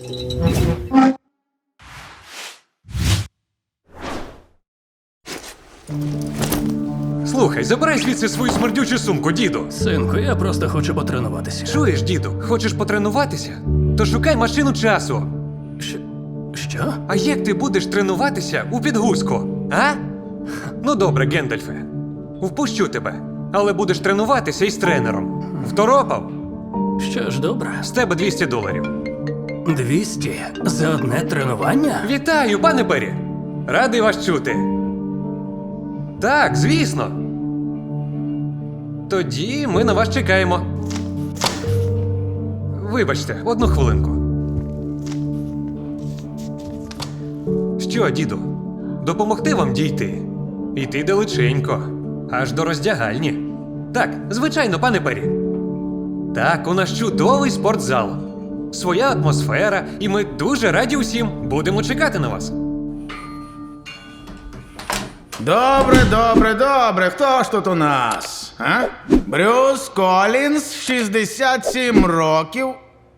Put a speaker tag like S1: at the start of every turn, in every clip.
S1: Слухай, забирай звідси свою смердючу сумку, діду.
S2: Синку, я просто хочу потренуватися.
S1: Чуєш, діду, хочеш потренуватися? То шукай машину часу.
S2: Що?
S1: А як ти будеш тренуватися у підгузку, а? Ну добре, Гендальфе. Впущу тебе. Але будеш тренуватися із тренером. Второпав?
S2: Що ж, добре.
S1: З тебе $200.
S2: 200 за одне тренування?
S1: Вітаю, пане Пері! Радий вас чути. Так, звісно. Тоді ми на вас чекаємо. Вибачте, одну хвилинку. Що, діду, допомогти вам дійти? Іти далеченько, аж до роздягальні. Так, звичайно, пане Пері. Так, у нас чудовий спортзал. Своя атмосфера, і ми дуже раді усім. Будемо чекати на вас.
S3: Добре. Хто ж тут у нас? А? Брюс Колінс, 67 років.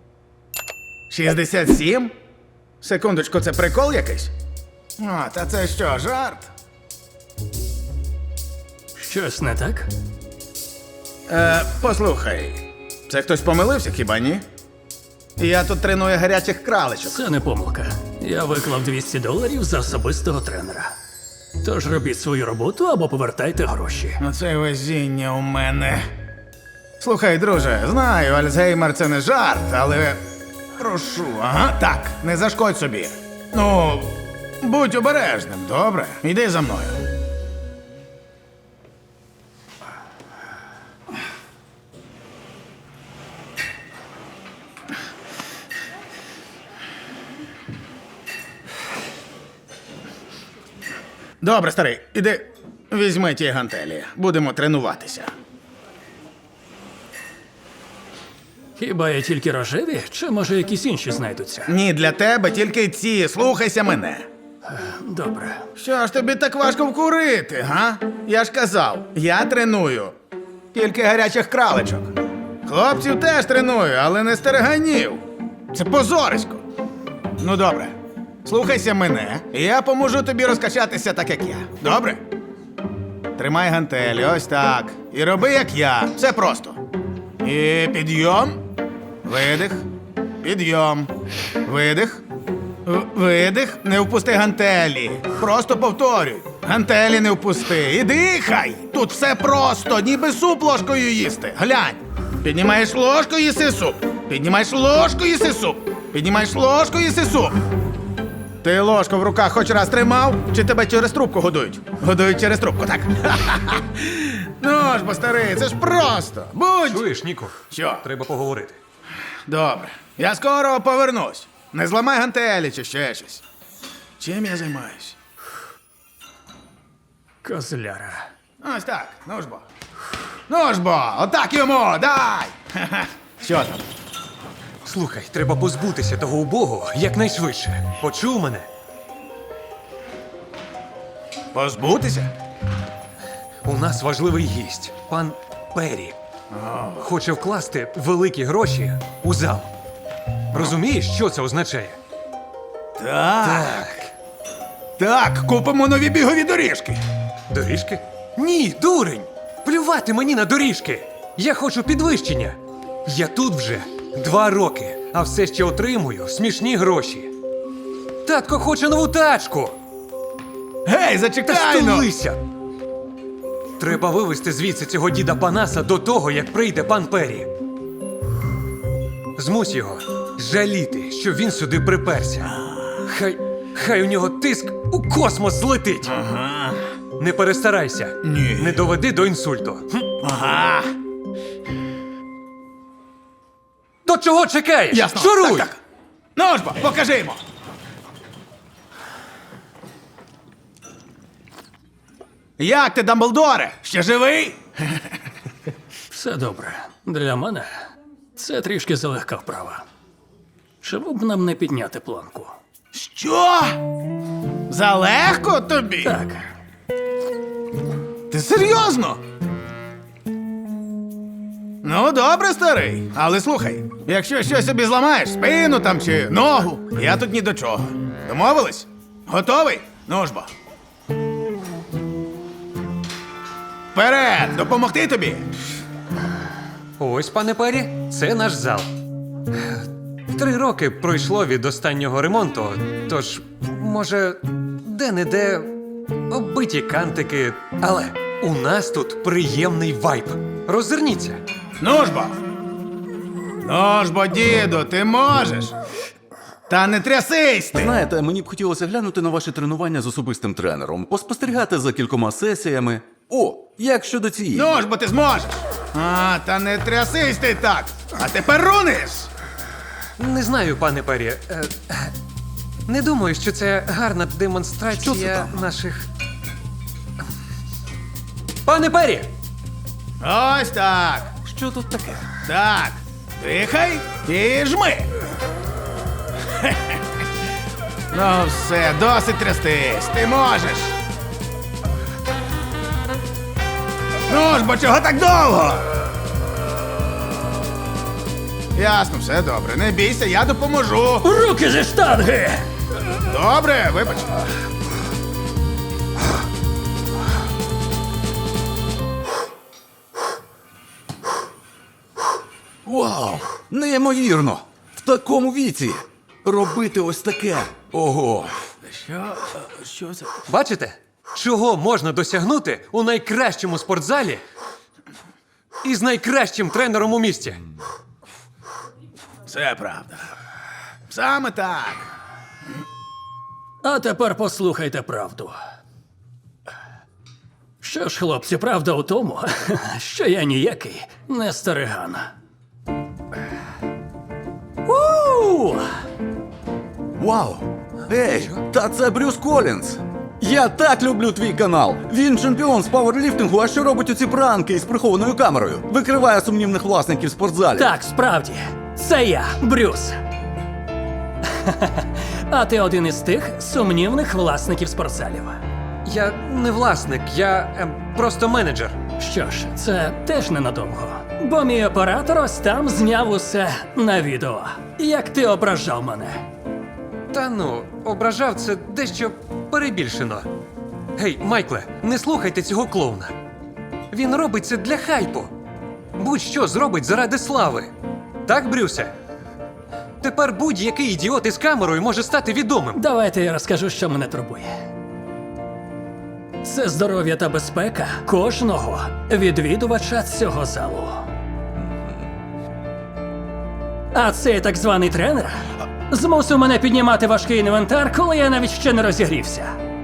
S3: 67? Секундочку, це прикол якийсь? А, та це що, жарт?
S2: Щось не так?
S3: Послухай, це хтось помилився, хіба ні? Я тут треную гарячих краличок.
S2: Це не помилка. Я виклав $200 за особистого тренера. Тож робіть свою роботу або повертайте гроші.
S3: Оце везіння у мене. Слухай, друже, знаю, Альцгеймер – це не жарт, але прошу, ага, так, не зашкодь собі. Ну, будь обережним, добре? Йди за мною. Добре, старий, іди, візьми ті гантелі. Будемо тренуватися.
S2: Хіба є тільки рожеві, чи може якісь інші знайдуться?
S3: Ні, для тебе тільки ці, слухайся мене.
S2: Добре.
S3: Що ж тобі так важко вкурити, га? Я ж казав, я треную тільки гарячих краличок. Хлопців теж треную, але не стереганів. Це позорисько. Ну добре, слухайся мене, і я поможу тобі розкачатися так, як я. Добре? Тримай гантелі, ось так. І роби, як я. Все просто. І підйом, видих, підйом, видих. Видих, не впусти гантелі. Просто повторюй. Гантелі не впусти. І дихай. Тут все просто, ніби суп ложкою їсти. Глянь. Піднімаєш ложку, їси суп. Піднімаєш ложку, їси суп. Піднімаєш ложку, їси суп. Ти ложку в руках хоч раз тримав, чи тебе через трубку годують? Годують через трубку, так? Ну ж, бо старий, це ж просто. Будь.
S1: Чуєш, Ніку?
S3: Що?
S1: Треба поговорити.
S3: Добре. Я скоро повернусь. Не зламай гантелі чи ще щось. Чим я займаюсь?
S2: Козляра.
S3: Ось так. Ну ж бо. Ну ж бо, отак йому, дай! Ха-ха. Що там?
S1: Слухай, треба позбутися того убогого якнайшвидше. Почув мене?
S3: Позбутися?
S1: У нас важливий гість, пан Пері. Хоче вкласти великі гроші у зал. Розумієш, що це означає?
S3: Так. Так, купимо нові бігові доріжки.
S1: Доріжки? Ні, дурень! Плювати мені на доріжки! Я хочу підвищення. Я тут вже 2 роки, а все ще отримую смішні гроші. Татко хоче нову тачку!
S3: Гей,
S1: Та
S3: зачекай, ну!
S1: стулися! Треба вивезти звідси цього діда Панаса до того, як прийде пан Пері. Змусь його жаліти, що він сюди приперся. Хай у нього тиск у космос злетить.
S3: Ага.
S1: Не перестарайся.
S3: Ні.
S1: Не доведи до інсульту.
S3: Ага.
S1: До чого чекаєш?
S3: Ясно.
S1: Шуруй!
S3: Так. Ну ж бо, покажи йому. Як ти, Дамблдоре? Ще живий?
S2: Все добре. Для мене це трішки залегка вправа. Чому б нам не підняти планку?
S3: Що? Залегко тобі?
S2: Так,
S3: Ти серйозно? Ну, добре, старий. Але слухай, якщо щось собі зламаєш, спину там чи ногу, я тут ні до чого. Домовились? Готовий? Ну ж бо. Вперед! Допомогти тобі!
S1: Ось, пане Пері, це наш зал. 3 роки пройшло від останнього ремонту, тож, може, де-не-де оббиті кантики. Але у нас тут приємний вайб. Роззирніться.
S3: Ну ж бо! Ну ж бо, діду, ти можеш! Та не трясись ти!
S4: Знаєте, мені б хотілося глянути на ваші тренування з особистим тренером, поспостерігати за кількома сесіями. О, як щодо цієї?
S3: Ну ж бо ти зможеш! А, та не трясись ти так! А тепер руниш!
S1: Не знаю, пане Пері. Не думаю, що це гарна демонстрація
S4: Що це там?
S1: наших. Пане Пері!
S3: Ось так!
S4: Що тут таке?
S3: Так, дихай і жми. Ну все, досить трястись, ти можеш. Ну ж, бо чого так довго? Ясно, все добре, не бійся, я допоможу.
S2: Руки зі штанги!
S3: Добре, вибач.
S4: Вау! Неймовірно! В такому віці! Робити ось таке! Ого!
S3: Що це?
S1: Бачите, чого можна досягнути у найкращому спортзалі і з найкращим тренером у місті?
S3: Це правда. Саме так.
S2: А тепер послухайте правду. Що ж, хлопці, правда у тому, що я ніякий не стариган. У!
S4: Вау! Ей, та це Брюс Колінз! Я так люблю твій канал! Він чемпіон з пауерліфтингу, а що робить оці пранки із прихованою камерою? Викриває сумнівних власників спортзалів.
S2: Так, справді, це я, Брюс. А ти один із тих сумнівних власників спортзалів.
S1: Я не власник, я просто менеджер.
S2: Що ж, це теж ненадовго. Бо мій оператор ось там зняв усе на відео. Як ти ображав мене.
S1: Та ну, ображав це дещо перебільшено. Гей, Майкле, не слухайте цього клоуна. Він робить це для хайпу. Будь-що зробить заради слави. Так, Брюсе? Тепер будь-який ідіот із камерою може стати відомим.
S2: Давайте я розкажу, що мене турбує. Це здоров'я та безпека кожного відвідувача цього залу. А цей так званий тренер змусив мене піднімати важкий інвентар, коли я навіть ще не розігрівся.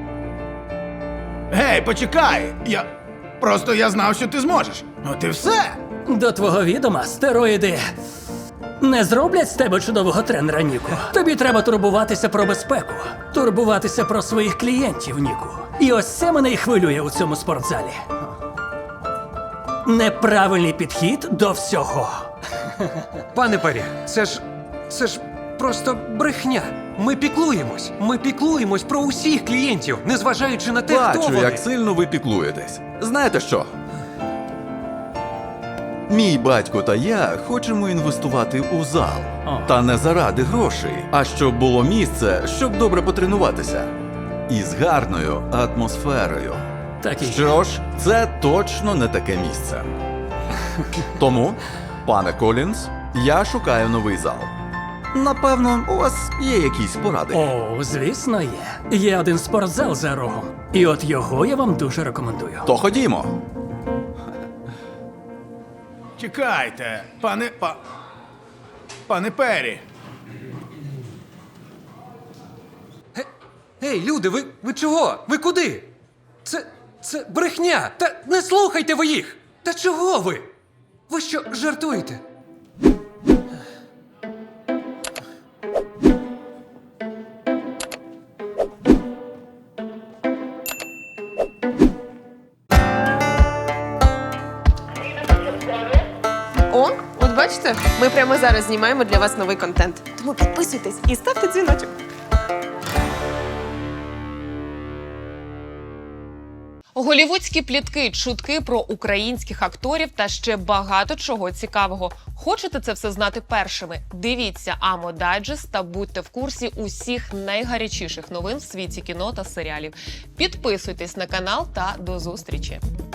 S3: Гей, почекай! Я знав, що ти зможеш. От і все.
S2: До твого відома, стероїди не зроблять з тебе чудового тренера, Ніку. Тобі треба турбуватися про безпеку, турбуватися про своїх клієнтів, Ніку. І ось це мене і хвилює у цьому спортзалі. Неправильний підхід до всього.
S1: Пане Пері, це ж просто брехня. Ми піклуємось про усіх клієнтів, незважаючи на те, хто
S4: Бачу,
S1: вони.
S4: як сильно ви піклуєтесь. Знаєте що? Мій батько та я хочемо інвестувати у зал.
S2: О.
S4: Та не заради грошей, а щоб було місце, щоб добре потренуватися. І з гарною атмосферою.
S2: Так і
S4: Що ж, це точно не таке місце. Тому, пане Колінз, я шукаю новий зал. Напевно, у вас є якісь поради.
S2: О, звісно, є. Є один спортзал за рогом. І от його я вам дуже рекомендую.
S4: То ходімо.
S3: Чекайте, пане Пері.
S1: Ей, люди, ви чого? Ви куди? Це брехня! Та не слухайте ви їх! Та чого ви? Ви що, жартуєте?
S5: О, от бачите, ми прямо зараз знімаємо для вас новий контент. Тому підписуйтесь і ставте дзвіночок. Голівудські плітки, чутки про українських акторів та ще багато чого цікавого. Хочете це все знати першими? Дивіться Амо Дайджест та будьте в курсі усіх найгарячіших новин в світі кіно та серіалів. Підписуйтесь на канал та до зустрічі!